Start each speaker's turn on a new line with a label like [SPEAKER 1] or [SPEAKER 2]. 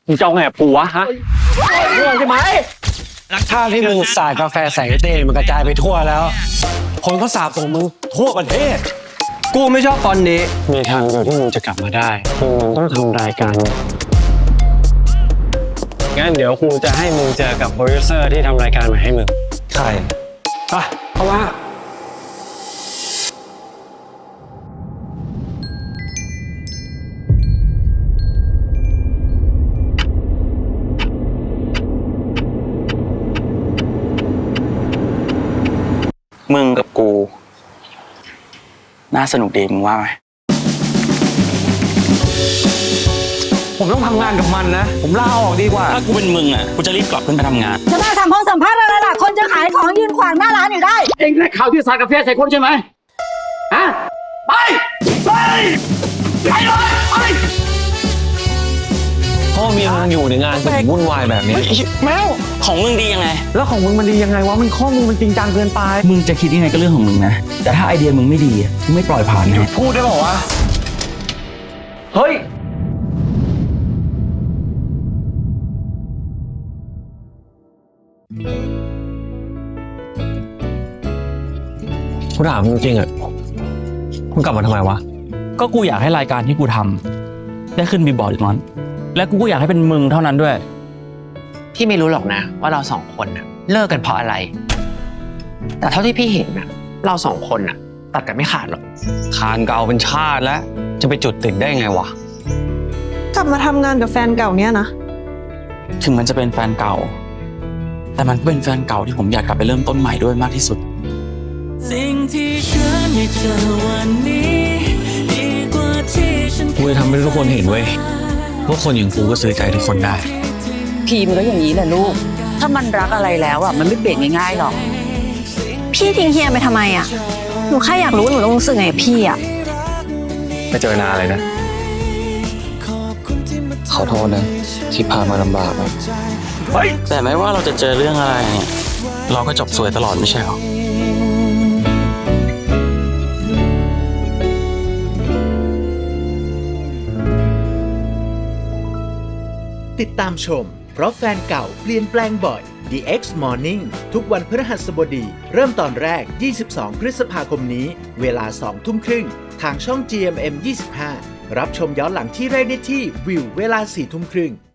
[SPEAKER 1] มึงจะเอาไงกับกูวะฮะเรื่องใช่ไหม
[SPEAKER 2] ถ้าที่มึงสาดกาแฟใส่เต้มันกระจายไปทั่วแล้ว คนก็สาบส่งมึงทั่วประเทศ
[SPEAKER 1] กูไม่ชอบฟอนต์นี้
[SPEAKER 2] มีทางเดียวที่มึงจะกลับมาได้คือมึงต้องทำรายการงั้นเดี๋ยวครูจะให้มึงเจอกับโปรดิวเซอร์ที่ทำรายการมาให้มึง
[SPEAKER 1] ใคร
[SPEAKER 2] ไปเพราะว่า
[SPEAKER 3] มึงกับกู น่าสนุกดีมึงว่าไหม
[SPEAKER 1] ผมต้องทำงานกับมันนะ ผมลาออกดีกว่า
[SPEAKER 3] ถ้ากูเป็นมึงอ่ะ กูจะรีบกลับขึ้นไปทำงาน
[SPEAKER 4] จะมาทำห้องสัมภาษณ์อะไรล่ะ คนจะขายของยืนขวางหน้าร้านอยู่ได้
[SPEAKER 1] เองได้ข่าวที่สาดกาแฟใส่คนใช่ไหมฮะไปไปเลยไป
[SPEAKER 2] พ่อเมียมึงอยู่ในงานถึงวุ่นวายแบบนี้
[SPEAKER 3] แมวของมึงดียังไง
[SPEAKER 1] แล้วของมึงมันดียังไงวะมันข้อมูลมันจริงจังเกินไป
[SPEAKER 3] มึงจะคิดยังไงก็เรื่องของมึงนะ แต่ถ้าไอเดียมึงไม่ดีอะกูไม่ปล่อยผ่านนะ
[SPEAKER 1] พูดได้บอกว่าเฮ้ย
[SPEAKER 2] กูถามมึงจริงๆอ่ะมึงกลับมาทำไมวะ
[SPEAKER 3] ก็กูอยากให้รายการที่กูทำได้ขึ้นบีบอร์ดอีกนั้นและกูก็อยากให้เป็นมึงเท่านั้นด้วย
[SPEAKER 5] พี่ไม่รู้หรอกนะว่าเราสองคนน่ะเลิกกันเพราะอะไร แต่เท่าที่พี่เห็นน่ะเราสองคนน่ะตัดกันไม่ขาดหรอก
[SPEAKER 2] คานเก่าเป็นชาติแล้ว จะไปจุดติดได้ไงวะ
[SPEAKER 6] กลับมาทำงานกับแฟนเก่าเนี่ยนะ
[SPEAKER 3] ถึงมันจะเป็นแฟนเก่า แต่มันก็เป็นแฟนเก่าที่ผมอยากกลับไปเริ่มต้นใหม่ด้วยมากที่สุด
[SPEAKER 7] สิ่งที่ฉันได้เจอวันนี้ดีกว่าที่ฉัน
[SPEAKER 2] กูจะทำให้ทุกคนเห็นเว้ยว่าคนอย่างกูก็ซื้อใจทุกคนได้
[SPEAKER 4] พีมันก็อย่างนี้แหละลูก ถ้ามันรักอะไรแล้วอ่ะมันไม่เปลี่ยนง่ายๆหรอก
[SPEAKER 8] พี่ทิ้งเฮียไปทำไมอ่ะ หนูแค่อยากรู้ว่าหนูต้องรู้สึกไงกับพี่อ่ะ
[SPEAKER 2] ไม่เจอนานเลยนะ ขอโทษนะ ที่พามาลำบากอะ
[SPEAKER 3] แต่ไม่ว่าเราจะเจอเรื่องอะไรเนี่ยเราก็จบสวยตลอดไม่ใช่หรอ
[SPEAKER 9] ติดตามชม เพราะแฟนเก่าเปลี่ยนแปลงบ่อย The X Morning ทุกวันพฤหัสบดี เริ่มตอนแรก 22 พฤษภาคมนี้ เวลา 2 ทุ่มครึ่ง ทางช่อง GMM 25 รับชมย้อนหลังที่แรกได้ที่วิวเวลา 4 ทุ่มครึ่ง